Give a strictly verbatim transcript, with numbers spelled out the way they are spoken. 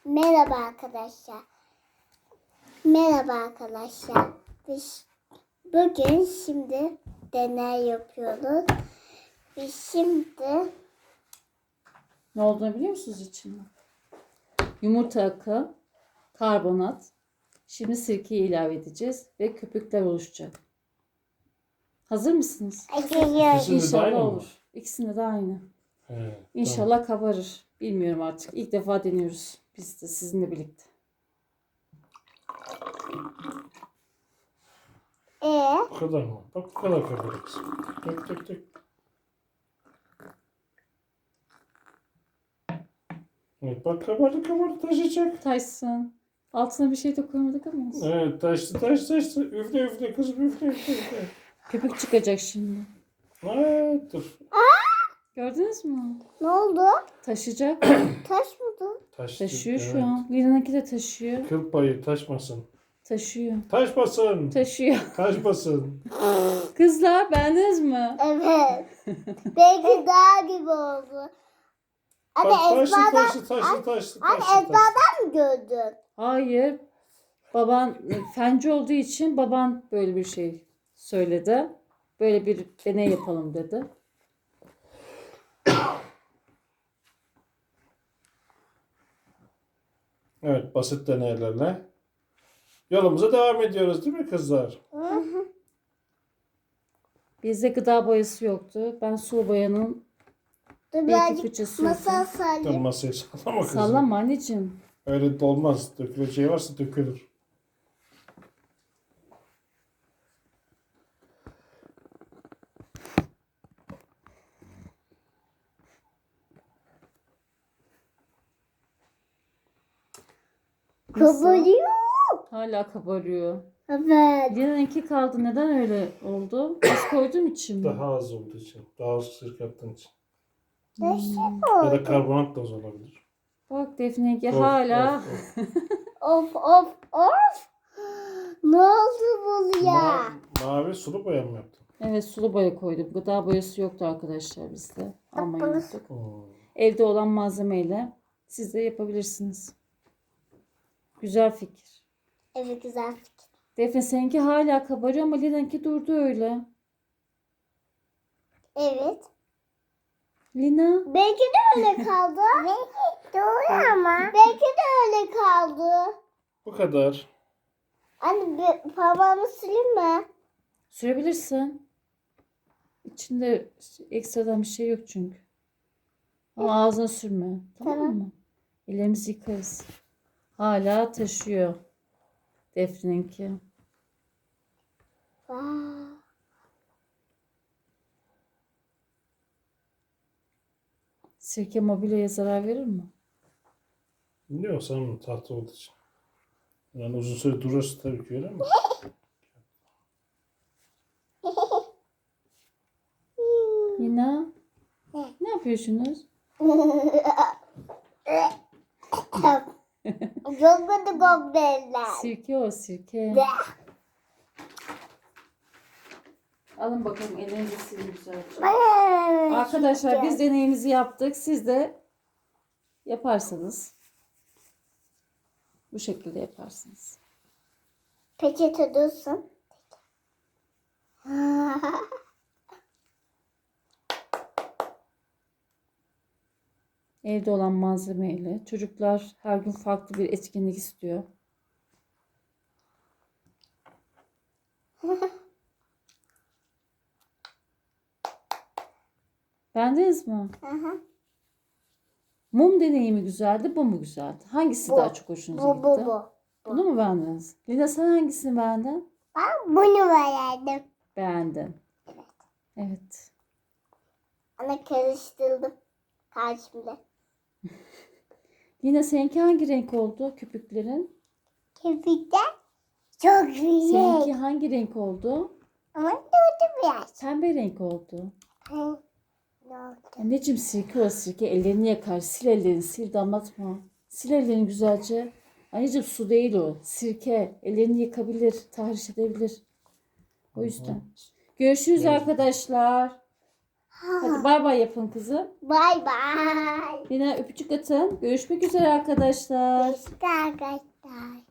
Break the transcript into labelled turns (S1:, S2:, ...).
S1: Merhaba arkadaşlar. Merhaba arkadaşlar. Biz bugün şimdi deney yapıyoruz. Biz şimdi
S2: Ne olduğunu biliyor musunuz içinde? Yumurta akı, karbonat. Şimdi sirkeyi ilave edeceğiz ve köpükler oluşacak. Hazır mısınız?
S1: açıyoruz.
S3: İkisinde de
S2: İnşallah
S3: aynı mı?
S2: olur. İkisinde de aynı.
S3: He,
S2: İnşallah kabarır. Bilmiyorum artık. İlk defa deniyoruz. Biz de sizinle birlikte.
S1: Ee,
S3: tamam. Bu kadar mı? Bak bu kadar kabarız. Dök dök dök. Evet bak kabardı kabardı taşıyacak.
S2: Taşsın. Altına bir şey de koymadık ama. olsun.
S3: Evet taştı taştı taştı. Üfle üfle kızım üfle üfle üfle.
S2: Köpük çıkacak şimdi.
S3: Evet dur.
S2: Gördünüz mü?
S1: ne oldu?
S2: Taşıyacak.
S1: Taş mı bu?
S3: Taştı.
S2: Taşıyor şu
S3: evet.
S2: an. Lina'nınki de taşıyor.
S3: Kıl payı taşmasın.
S2: Taşıyor.
S3: Taşmasın.
S2: Taşıyor.
S3: Taşmasın.
S2: Kızlar beğendiniz mi?
S1: Evet. Belki daha gibi oldu. Anne
S3: Bak taştı
S1: ezberden,
S3: taştı taştı taştı
S1: anne
S3: taştı taştı.
S1: ezberden mi gördün?
S2: Hayır. Baban e, fenci olduğu için baban böyle bir şey söyledi. Böyle bir deney yapalım dedi.
S3: Evet basit deneylerle yolumuza devam ediyoruz değil mi kızlar?
S2: Bizde gıda boyası yoktu. Ben sulu boyanın
S1: Dur
S2: bir iki
S1: birazcık
S2: fıçısı
S1: masal
S2: yoktu.
S3: Dur
S1: sallayayım.
S3: masayı sallama kızım.
S2: Sallama anneciğim.
S3: Öyle de olmaz. Döküleceği varsa dökülür.
S2: Nasıl?
S1: Kabarıyor.
S2: Hala kabarıyor.
S1: Evet.
S2: Lina'nınki kaldı. Neden öyle oldu? Az koyduğum için mi?
S3: Daha az olduğu için. Daha az sirke attığın için.
S1: Nasıl
S3: Ya da
S1: oldu?
S3: karbonat da az olabilir.
S2: Bak Defne'ninki
S3: Of,
S2: hala.
S3: of, of.
S1: Of of of. Ne oldu bu ya?
S3: Ma- mavi sulu boya mı yaptın?
S2: Evet sulu boya koydum. Gıda boyası yoktu arkadaşlar bizde. Almayı unuttuk.
S3: Hmm.
S2: Evde olan malzemeyle siz de yapabilirsiniz. Güzel fikir.
S1: Evet güzel fikir.
S2: Defne seninki hala kabarıyor ama Lina'nınki durdu öyle.
S1: Evet.
S2: Lina
S1: Belki de öyle kaldı. Belki doğru ama. Belki de öyle kaldı.
S3: Bu kadar.
S1: Anne bir parmağımı sileyim mi?
S2: sürebilirsin. İçinde ekstradan bir şey yok çünkü. Ama ağzına sürme. Tamam
S1: Tamam.
S2: mı? Ellerimizi yıkarız. Hala taşıyor. Defne'ninki.
S1: Vay.
S2: Sirke mobilyaya zarar verir mi?
S3: Yok sanırım tahta olduğu için. Yani uzun süre durursa tabii ki öyle ama.
S2: Lina ne yapıyorsunuz?
S1: Çok kötü kokteyller.
S2: Sirke o sirke. Alın bakalım elinizi silin güzelce. Arkadaşlar biz deneyimizi yaptık. Siz de yaparsanız bu şekilde yaparsınız.
S1: Peçete dursun.
S2: Evde olan malzemeyle. Çocuklar her gün farklı bir etkinlik istiyor. Beğendiniz mi?
S1: Aha.
S2: Mum deneyimi güzeldi, bu mu güzeldi? Hangisi
S1: Bu.
S2: daha çok hoşunuza
S1: Bu
S2: gitti?
S1: bu bu.
S2: Bunu mu beğendiniz? Lina sen hangisini beğendin?
S1: Ben bunu verdim.
S2: Beğendin. Evet.
S1: Ana karıştırdım. Karşımda.
S2: Lina seninki hangi renk oldu köpüklerin?
S1: Kirpikler çok güzel.
S2: Seninki hangi renk oldu?
S1: Ama durdu biraz.
S2: Pembe renk oldu.
S1: Ay, ne oldu?
S2: Anneciğim sirke o sirke ellerini yakar. Sil ellerini sil damlatma. Sil ellerini güzelce. Anneciğim su değil o. Sirke. Ellerini yıkabilir. Tahriş edebilir. O yüzden. Görüşürüz
S3: Evet.
S2: arkadaşlar. Hadi bay bay yapın kızım.
S1: Bay bay.
S2: Yine öpücük atın. Görüşmek üzere arkadaşlar.
S1: Görüşürüz arkadaşlar.